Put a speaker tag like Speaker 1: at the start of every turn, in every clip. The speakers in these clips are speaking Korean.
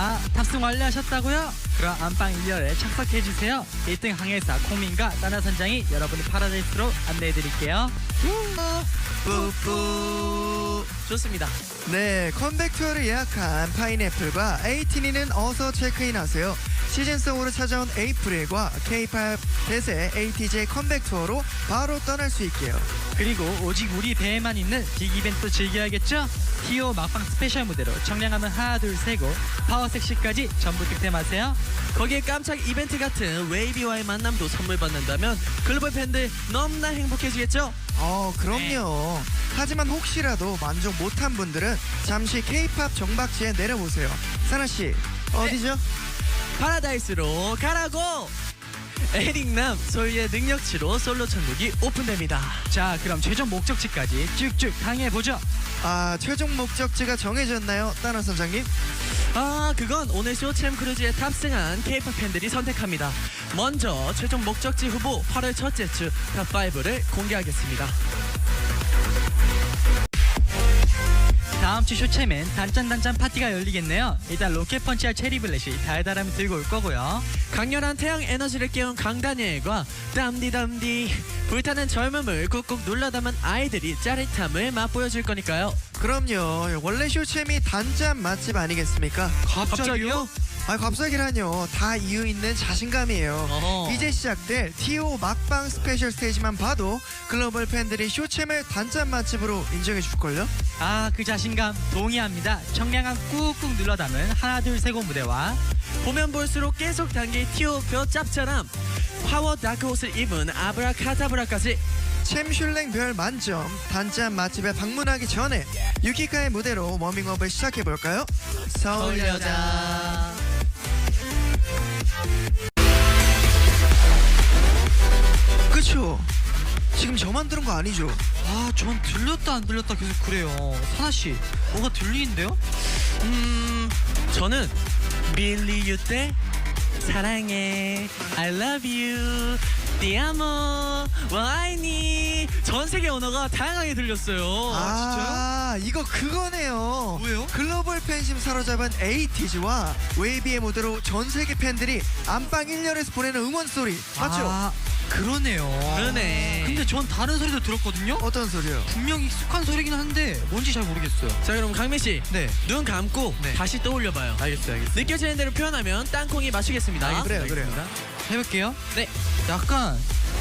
Speaker 1: 자, 탑승 완료하셨다고요? 그럼 안방 1열에 착석해주세요. 1등 항해사 콩민과 따나 선장이 여러분을 파라다이스로 안내해드릴게요.
Speaker 2: 뿌뿌. 좋습니다.
Speaker 3: 네, 컴백 투어를 예약한 파인애플과 에이티니는 어서 체크인하세요. 시즌송으로 찾아온 에이프릴과 K-pop 대세 ATJ 컴백 투어로 바로 떠날 수 있게요.
Speaker 1: 그리고 오직 우리 배에만 있는 빅 이벤트 즐겨야겠죠? T.O 막방 스페셜 무대로 청량함은 하나 둘 세고 파워 섹시까지 전부 득템하세요.
Speaker 2: 거기에 깜짝 이벤트 같은 웨이비와의 만남도 선물 받는다면 글로벌 팬들 너무나 행복해지겠죠?
Speaker 3: 그럼요. 하지만 혹시라도 만족 못한 분들은 잠시 K-pop 정박지에 내려보세요. 사나씨, 어디죠?
Speaker 2: 파라다이스로 가라고! 에릭남 소유의 능력치로 솔로 천국이 오픈됩니다.
Speaker 1: 자, 그럼 최종 목적지까지 쭉쭉 당해보죠.
Speaker 3: 최종 목적지가 정해졌나요, 따나 선장님?
Speaker 2: 그건 오늘 쇼챔 크루즈에 탑승한 K-pop 팬들이 선택합니다. 먼저 최종 목적지 후보 8월 첫째 주 탑5를 공개하겠습니다.
Speaker 1: 다음 주 쇼챔엔 단짠단짠 파티가 열리겠네요. 일단 로켓 펀치와 체리블렛이 달달함을 들고 올 거고요.
Speaker 2: 강렬한 태양 에너지를 깨운 강다니엘과 땀디담디 불타는 젊음을 꾹꾹 눌러 담은 아이들이 짜릿함을 맛보여줄 거니까요.
Speaker 3: 그럼요. 원래 쇼챔이 단짠 맛집 아니겠습니까?
Speaker 1: 갑자기요?
Speaker 3: 갑자기라뇨. 다 이유 있는 자신감이에요.
Speaker 2: 어허.
Speaker 3: 이제 시작될 T.O 막방 스페셜 스테이지만 봐도 글로벌 팬들이 쇼챔을 단짠 맛집으로 인정해 줄걸요?
Speaker 1: 그 자신감 동의합니다. 청량함 꾹꾹 눌러 담은 하나 둘 세고 무대와
Speaker 2: 보면 볼수록 계속 당길 T.O 벼 짭짤함 파워 다크호스를 입은 아브라카다브라까지
Speaker 3: 챔슐랭 별 만점 단짠 맛집에 방문하기 전에 유키카의 무대로 워밍업을 시작해볼까요? 서울여자. 그쵸? 지금 저만 들은 거 아니죠?
Speaker 1: 전 들렸다 안 들렸다 계속 그래요. 사나씨 뭐가 들리는데요?
Speaker 2: 저는 밀리 유 때 사랑해 I love you 디아모 와이니 전 세계 언어가 다양하게 들렸어요.
Speaker 3: 진짜요? 이거 그거네요.
Speaker 1: 뭐예요?
Speaker 3: 글로벌 팬심 사로잡은 에이티즈와 웨이비의 무대로 전 세계 팬들이 안방 1열에서 보내는 응원 소리 맞죠?
Speaker 1: 그러네요.
Speaker 2: 그러네.
Speaker 1: 근데 전 다른 소리도 들었거든요.
Speaker 3: 어떤 소리요?
Speaker 1: 분명 익숙한 소리긴 한데 뭔지 잘 모르겠어요.
Speaker 2: 자, 그럼 강민씨
Speaker 1: 네.
Speaker 2: 눈 감고
Speaker 1: 네.
Speaker 2: 다시 떠올려봐요.
Speaker 1: 알겠어요.
Speaker 2: 느껴지는 대로 표현하면 땅콩이 맞추겠습니다.
Speaker 3: 그래요.
Speaker 1: 해볼게요.
Speaker 2: 네.
Speaker 1: 약간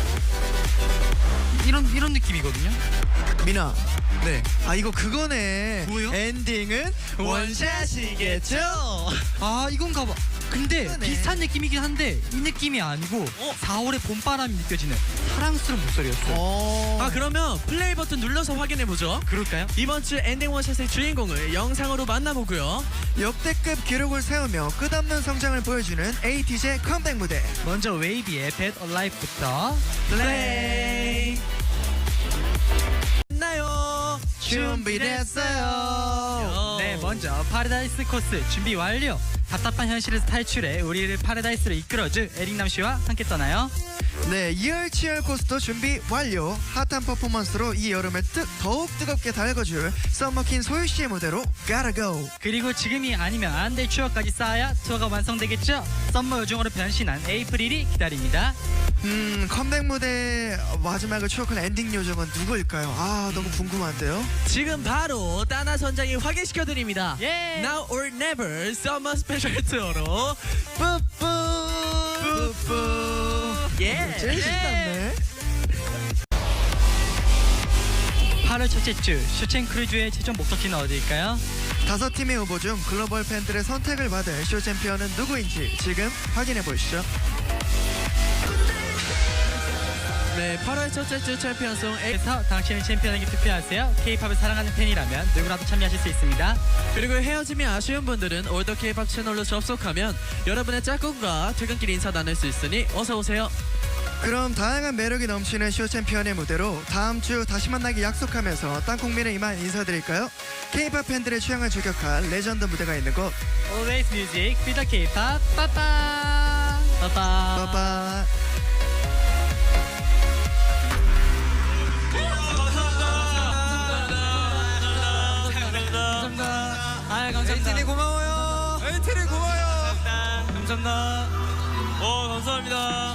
Speaker 1: 이런 느낌이거든요.
Speaker 3: 민아.
Speaker 1: 네.
Speaker 3: 이거 그거네.
Speaker 1: 뭐예요?
Speaker 3: 엔딩은 원샷이겠죠?
Speaker 1: 이건가 봐. 근데
Speaker 3: 그러네.
Speaker 1: 비슷한 느낌이긴 한데 이 느낌이 아니고 4월의 봄바람이 느껴지는 사랑스러운 목소리였어요.
Speaker 2: 그러면 플레이 버튼 눌러서 확인해보죠.
Speaker 1: 그럴까요?
Speaker 2: 이번 주 엔딩 원샷의 주인공을 영상으로 만나보고요.
Speaker 3: 역대급 기록을 세우며 끝없는 성장을 보여주는 에이티즈의 컴백 무대.
Speaker 1: 먼저 웨이비의 Bad Alive부터
Speaker 2: 플레이 나요.
Speaker 3: 준비됐어요.
Speaker 1: 네, 먼저 파라다이스 코스 준비 완료. 답답한 현실에서 탈출해 우리를 파라다이스로 이끌어줄 에릭남 씨와 함께 떠나요.
Speaker 3: 네, 이열치열 코스도 준비 완료. 핫한 퍼포먼스로 이 여름을 더욱 뜨겁게 달궈줄 썸머킨 소유 씨의 무대로 Gotta Go.
Speaker 1: 그리고 지금이 아니면 안 될 추억까지 쌓아야 투어가 완성되겠죠. 썸머 요정으로 변신한 에이프릴이 기다립니다.
Speaker 3: 컴백 무대 마지막을 추억한 엔딩 요정은 누구일까요? 너무 궁금한데요.
Speaker 2: 지금 바로 따나 선장이 확인시켜드립니다.
Speaker 1: 예!
Speaker 2: Now or Never Summer Special 투어로 뿌뿌 예.
Speaker 3: 제일 신났네.
Speaker 1: 8월 첫째 주 쇼챔 크루즈의 최종 목적지는 어디일까요?
Speaker 3: 5팀의 후보 중 글로벌 팬들의 선택을 받을 쇼 챔피언은 누구인지 지금 확인해 보시죠.
Speaker 2: 네, 8월 첫째 주 챔피언송
Speaker 1: 그래서 당신은 챔피언에게 투표하세요. K-팝을 사랑하는 팬이라면 누구라도 참여하실 수 있습니다.
Speaker 2: 그리고 헤어짐이 아쉬운 분들은 올더 K-팝 채널로 접속하면 여러분의 짝꿍과 퇴근길 인사 나눌 수 있으니 어서 오세요.
Speaker 3: 그럼 다양한 매력이 넘치는 쇼 챔피언의 무대로 다음 주 다시 만나기 약속하면서 땅콩민의 이만 인사드릴까요? K-팝 팬들의 취향을 저격할 레전드 무대가 있는 곳
Speaker 1: Always Music, Be the K-팝, 빠빠 빠빠
Speaker 3: 빠빠.
Speaker 1: 감사합니다.
Speaker 3: 에이티니 고마워요. 에이티니 고마워요.
Speaker 2: 감사합니다. 감사합니다.